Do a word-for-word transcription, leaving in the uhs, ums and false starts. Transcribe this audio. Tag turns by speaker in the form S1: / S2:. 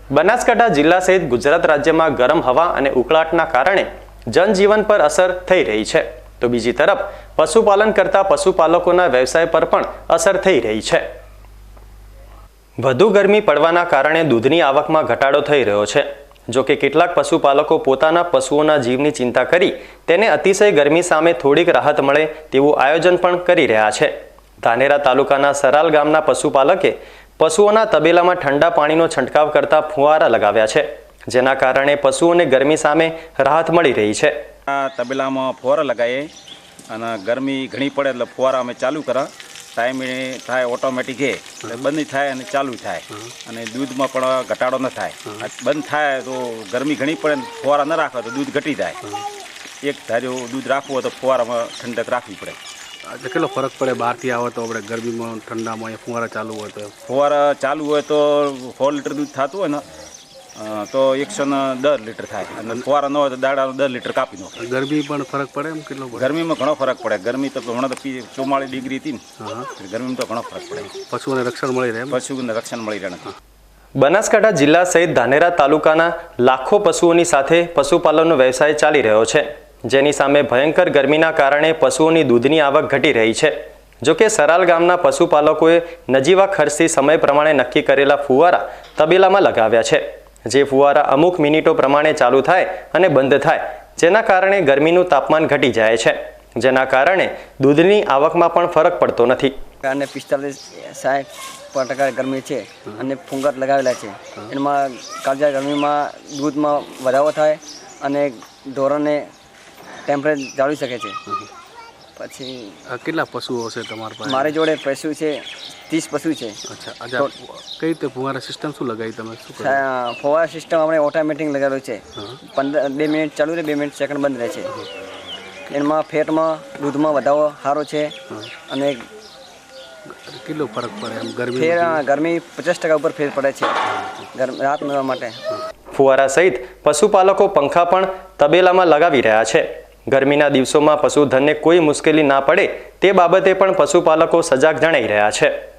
S1: બનાસકાંઠા જિલ્લા સહિત ગુજરાત રાજ્યમાં ગરમ હવા અને ઉકળાટના કારણે જનજીવન પર અસર થઈ રહી છે, તો બીજી તરફ પશુપાલન કરતા પશુપાલકોના વ્યવસાય પર પણ અસર થઈ રહી છે। વધુ ગરમી પડવાના કારણે દૂધની આવકમાં ઘટાડો થઈ રહ્યો છે। જો કે કેટલાક પશુપાલકો પોતાના પશુઓના જીવની ચિંતા કરી તેને અતિશય ગરમી સામે થોડીક રાહત મળે તેવું આયોજન પણ કરી રહ્યા છે। ધાનેરા તાલુકાના સરાલ ગામના પશુપાલકે પશુઓના તબેલામાં ઠંડા પાણીનો છંટકાવ કરતા ફુવારા લગાવ્યા છે, જેના કારણે પશુઓને ગરમી સામે રાહત મળી રહી છે।
S2: આ તબેલામાં ફુવારા લગાવીએ અને ગરમી ઘણી પડે એટલે ફુવારા અમે ચાલુ કરા, ટાઈમે થાય ઓટોમેટિક એ બંધ થાય અને ચાલુ થાય અને દૂધમાં પણ ઘટાડો ન થાય। બંધ થાય તો ગરમી ઘણી પડે ને ફુવારા ન રાખો તો દૂધ ઘટી જાય। એક ધાર્યું દૂધ રાખવું હોય તો ફુવારામાં ઠંડક રાખવી પડે।
S3: કેટલો ફરક પડે બહારથી આવે તો આપણે ગરમીમાં ઠંડામાં ફુવારા ચાલુ હોય તો?
S2: ફુવારા ચાલુ હોય તો સો લીટર દૂધ થતું હોય ને તો એકસો ને દસ લીટર થાય અને ફુવારા ન હોય તો દાડાનું દસ લીટર કાપી દો।
S3: ગરમી પણ ફરક પડે એમ કેટલો?
S2: ગરમીમાં ઘણો ફરક પડે। ગરમી તો હમણાં તો ચુમ્માળીસ ડિગ્રી હતી ને, ગરમીમાં તો ઘણો ફરક પડે।
S3: પશુઓને રક્ષણ મળી રહે?
S2: પશુઓને રક્ષણ મળી રહે।
S1: બનાસકાંઠા જિલ્લા સહિત ધાનેરા તાલુકાના લાખો પશુઓની સાથે પશુપાલનનો વ્યવસાય ચાલી રહ્યો છે, જેની સામે ભયંકર ગરમીના કારણે પશુઓની દૂધની આવક ઘટી રહી છે। જોકે સરાલ ગામના પશુપાલકોએ નજીવા ખર્ચથી સમય પ્રમાણે નક્કી કરેલા ફુવારા તબેલામાં લગાવ્યા છે, જે ફુવારા અમુક મિનિટો પ્રમાણે ચાલુ થાય અને બંધ થાય, જેના કારણે ગરમીનું તાપમાન ઘટી જાય છે, જેના કારણે દૂધની આવકમાં પણ ફરક પડતો નથી।
S4: અને પિસ્તાલીસ સાઠ ટકા ગરમી છે અને ફુંગર લગાવેલા છે, એમાં કાળજા ગરમીમાં દૂધમાં વધારો થાય અને ઢોરોને ટેમ્પરેચર જાળવી શકે છે। પછી
S3: કેટલા પશુઓ છે તમારા પાસે?
S4: મારી જોડે પશુ છે ત્રીસ પશુ છે।
S3: અચ્છા, કઈ રીતે ફુવારા સિસ્ટમ શું લગાવી તમે? શું
S4: ફુવારા સિસ્ટમ આપણે ઓટોમેટિક લગાવેલું છે, પંદર બે મિનિટ ચાલુ રહે, બે મિનિટ સેકન્ડ બંધ રહે છે। એમાં ફેટમાં દૂધમાં વધારો સારો છે અને
S3: કેટલો ફરક પડે એમ ગરમી?
S4: ફેર ગરમી પચાસ ટકા ઉપર ફેર પડે છે રાત મેળવવા માટે।
S1: ફુવારા સહિત પશુપાલકો પંખા પણ તબેલામાં લગાવી રહ્યા છે। ગરમીના દિવસોમાં પશુધનને કોઈ મુશ્કેલી ના પડે તે બાબતે પણ પશુપાલકો સજાગ જણાઈ રહ્યા છે।